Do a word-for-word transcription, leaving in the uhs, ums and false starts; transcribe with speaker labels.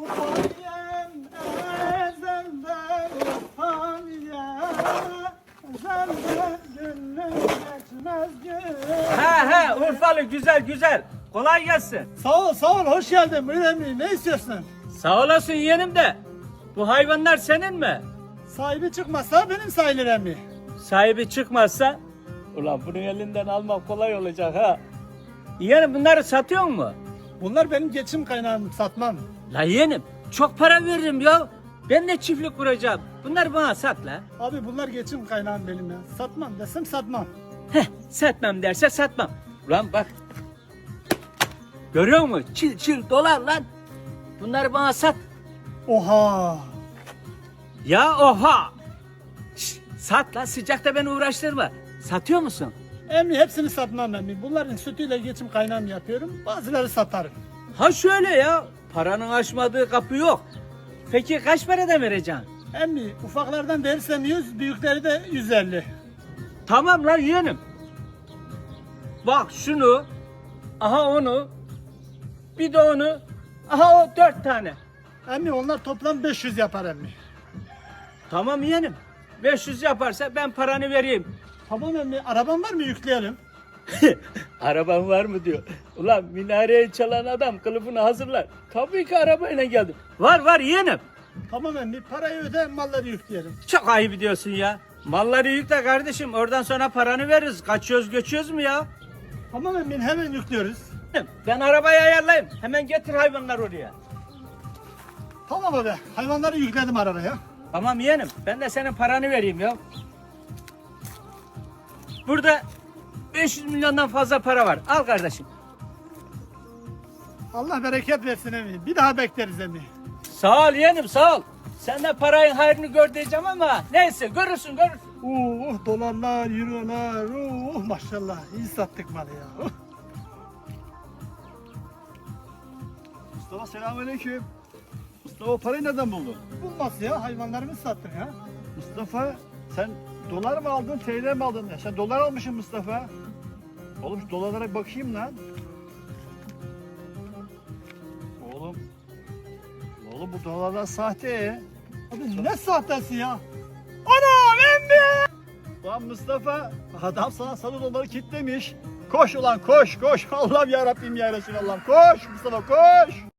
Speaker 1: Faniyem ezelden faniye, ezelden gönlüm geçmez gün.
Speaker 2: He he Urfalı güzel güzel. Kolay gelsin.
Speaker 1: Sağ ol sağ ol hoş geldin buyur emmi ne istiyorsun?
Speaker 2: Sağ olasın yeğenim de. Bu hayvanlar senin mi?
Speaker 1: Sahibi çıkmazsa benim sayılır emmi.
Speaker 2: Sahibi çıkmazsa ulan bunun elinden almak kolay olacak ha. Yeğenim bunları satıyor mu?
Speaker 1: Bunlar benim geçim kaynağım satmam.
Speaker 2: La yeğenim çok para veririm ya. Ben de çiftlik kuracağım. Bunları bana sat la.
Speaker 1: Abi bunlar geçim kaynağım benim ya. Satmam desem satmam.
Speaker 2: Heh satmam derse satmam. Ulan bak. Görüyor musun? Çil çil dolar lan. Bunları bana sat.
Speaker 1: Oha.
Speaker 2: Ya oha. Şş, sat lan sıcakta beni uğraştırma. Satıyor musun?
Speaker 1: Emmi hepsini satmam emmi. Bunların sütüyle geçim kaynağım yapıyorum. Bazıları satarım.
Speaker 2: Ha şöyle ya. Paranın açmadığı kapı yok. Peki kaç parada vereceksin?
Speaker 1: Emmi ufaklardan verirsem yüz, büyükleri de yüz elli.
Speaker 2: Tamam lan yeğenim. Bak şunu. Aha onu. Bir de onu. Aha o dört tane.
Speaker 1: Emmi onlar toplam beş yüz yapar emmi.
Speaker 2: Tamam yeğenim. beş yüz yaparsa ben paranı vereyim.
Speaker 1: Tamam emmi araban var mı yükleyelim?
Speaker 2: Araban var mı diyor. Ulan minareyi çalan adam kılıfını hazırlar. Tabii ki arabayla geldim. Var var yeğenim.
Speaker 1: Tamam emmi parayı öde malları yükleyelim.
Speaker 2: Çok ayıp ediyorsun ya. Malları yükle kardeşim. Oradan sonra paranı veririz. Kaçıyoruz göçüyoruz mu ya?
Speaker 1: Tamam emmi hemen yüklüyoruz.
Speaker 2: Ben arabayı ayarlayayım. Hemen getir hayvanlar oraya.
Speaker 1: Tamam abi hayvanları yükledim arabaya.
Speaker 2: Tamam yeğenim. Ben de senin paranı vereyim ya. Burada beş yüz milyondan fazla para var. Al kardeşim.
Speaker 1: Allah bereket versin emmi. Bir daha bekleriz emmi.
Speaker 2: Sağ ol yeğenim sağ ol. Sen de parayın hayrını gör diyeceğim ama neyse görürsün görürsün.
Speaker 1: Uh dolarlar, eurolar, uh maşallah iyi sattık malı ya. Uh.
Speaker 3: Mustafa selamünaleyküm. Mustafa o parayı nereden buldun?
Speaker 1: Bulmaz ya hayvanlarımızı sattık ha.
Speaker 3: Mustafa sen dolar mı aldın, T L mi aldın? Ya sen dolar almışsın Mustafa. Oğlum şu dolarlara bakayım lan. Oğlum. Oğlum bu dolarlar sahte.
Speaker 1: Abi ne sahtesi ya? Anam emmi!
Speaker 3: Lan Mustafa adam sana sarı doları kitlemiş. Koş ulan koş koş. Allah'ım ya Rabbim ya Resulallah. Koş Mustafa koş.